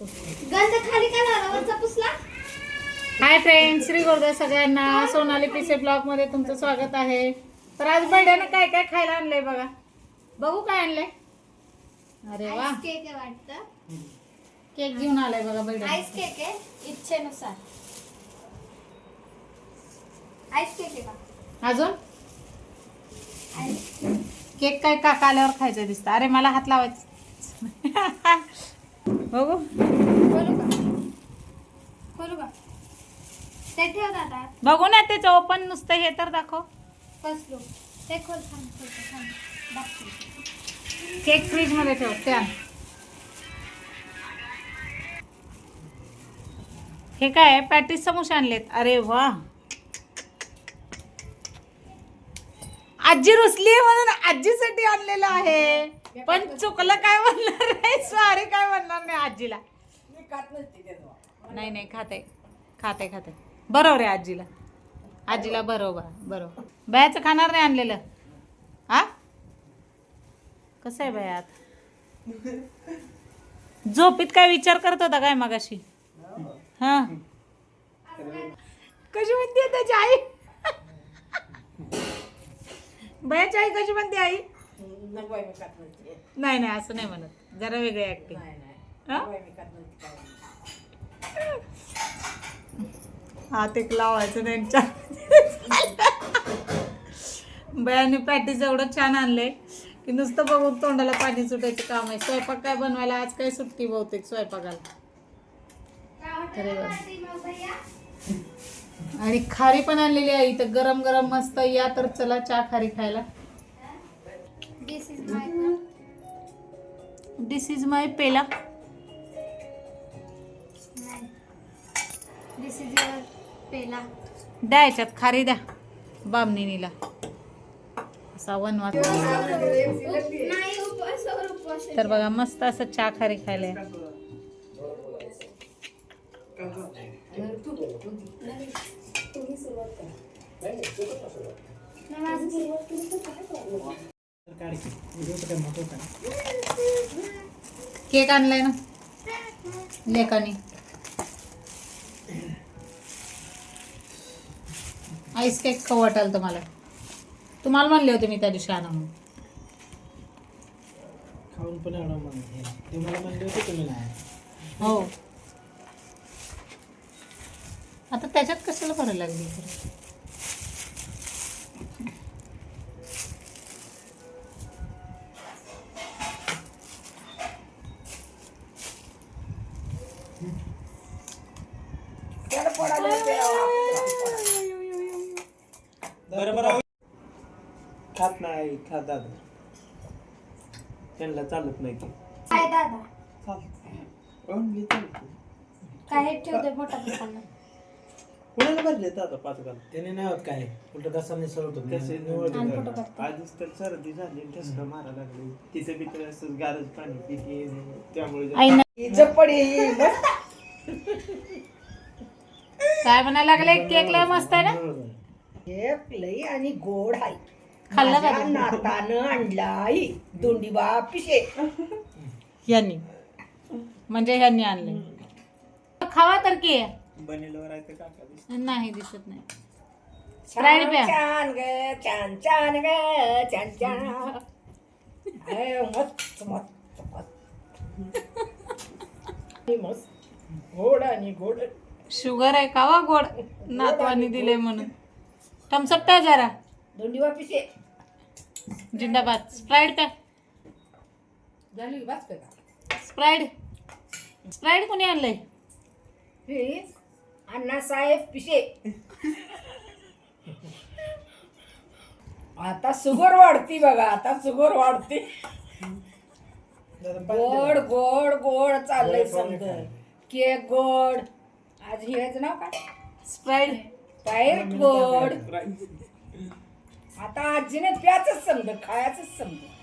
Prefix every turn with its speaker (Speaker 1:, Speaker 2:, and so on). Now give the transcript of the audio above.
Speaker 1: गंध खाली का लावला पुसला.
Speaker 2: हाय फ्रेंड्स, श्री गोरदा सगळ्यांना सोनाली पीसे ब्लॉग मध्ये तुमचं स्वागत आहे. तर आज बर्थडेने काय काय खायला आणलंय बघा. बघू काय आणलंय. अरे वा,
Speaker 1: आईस केक आहे वाटतं.
Speaker 2: केक घेऊन आलाय बघा बर्थडे.
Speaker 1: आईस केक आहे इच्छेनुसार. आईस केक आहे का
Speaker 2: अजून
Speaker 1: आईस
Speaker 2: केक काय काका आल्यावर खायचं दिसतं. अरे मला हात लावायचं. बघू
Speaker 1: खोलू का खोलू का ते ठेव दादा.
Speaker 2: बघू ना त्याचं ओपन नुसतं हे तर दाखव.
Speaker 1: कसलो ते खोल थांब दाखव.
Speaker 2: केक फ्रीज मध्ये ठेव. त्या हे काय पॅटीस समोसे आणलेत. अरे वा, आजी रुसली म्हणून आजीसाठी आणलेलं आहे. पण चुकलं काय म्हणणार नाही, सॉरी काय म्हणणार नाही आजीला. नाही नाही, खाते खाते खाते. बरोबर आहे आजीला. आजीला बरोबर बरोबर. बयाचं खाणार नाही आणलेलं. हा कसं आहे बयात. झोपीत काय विचार करत होता काय मगाशी. हा कशी म्हणते त्याची आई. बयाची आई कशी म्हणते आई. नाही नाही असं नाही म्हणत, जरा वेगळी ऍक्टिंग. हात एक लावायचं त्यांच्या. बयाने पॅटीस एवढं छान आणलंय की नुसतं बघून तोंडाला पाणी सुटायचं काम आहे. स्वयंपाक काय बनवायला आज काय सुट्टी बहुतेक स्वयंपाकाला. अरे वा, आणि खारी पण आणलेली आहे इथं गरम गरम मस्त. या तर चला चहा खारी खायला. दिस इज माय पेला.
Speaker 1: दिस इज युअर पेला.
Speaker 2: द्या याच्यात खारी द्या बामणीला. असा वनवास.
Speaker 1: नाही उपवास.
Speaker 2: तर बघा मस्त असं चहा खारी खायला. केक आणलाय ना लेकानी. आईस केक खाऊ वाटाल तुम्हाला. तुम्हाला म्हणले होते मी त्या दिवशी आणा म्हणून.
Speaker 3: खाऊन पण एवढं म्हणते ते मला म्हणले होते तुम्ही नाही.
Speaker 2: हो, आता त्याच्यात कशाला भरायला लागली.
Speaker 3: बरोबर खात नाही खात दादा. त्यांना चालत नाही की
Speaker 1: काय दादा
Speaker 3: ओनली चालते.
Speaker 1: काय ठेवते मोठा दुकान.
Speaker 3: कुणाला भरले दादा 5 गाल. त्याने नाही होत काय उलट घसाने सरवतो. आधीच तर सर्दी झाली ठसका मारा लागली. तिचं बी तर असं गारज पाणी पिते त्यामुळे
Speaker 2: काय म्हणायला लागले. केक लय मस्त आहे ना.
Speaker 4: केक लई आणि गोड आहे.
Speaker 2: खाल्ला का
Speaker 4: माझ्या नातानं आणलाय दोंडीबा पिशे.
Speaker 2: यांनी म्हणजे ह्यांनी आणले. खावा तर की.
Speaker 3: बनेलवर आहे ते काका दिसत.
Speaker 2: नाही दिसत नाही. स्प्राईट प्या.
Speaker 4: छान ग छान छान ग छान छान. मस्त मस्त मस्त गोड आणि गोड.
Speaker 2: शुगर आहे का वा गोड. नातवानी दिले म्हणून. थम्सअप प्या जरा.
Speaker 4: दोंडीबा पिशे
Speaker 2: जिंदाबाद. स्प्राईट प्या.
Speaker 4: झाली वाच का.
Speaker 2: स्प्राईट स्प्राईट कोणी आणलंय.
Speaker 4: हे अण्णासाहेब पिशे. आता शुगर वाढती बघा. आता शुगर वाढते. गोड गोड गोड चाललंय समजा. केक गोड. आज हिऱ्याचं नाव काय.
Speaker 2: स्प्राईट
Speaker 4: स्प्राईट गोड. आता आजीने प्याच समजा खायच समजा.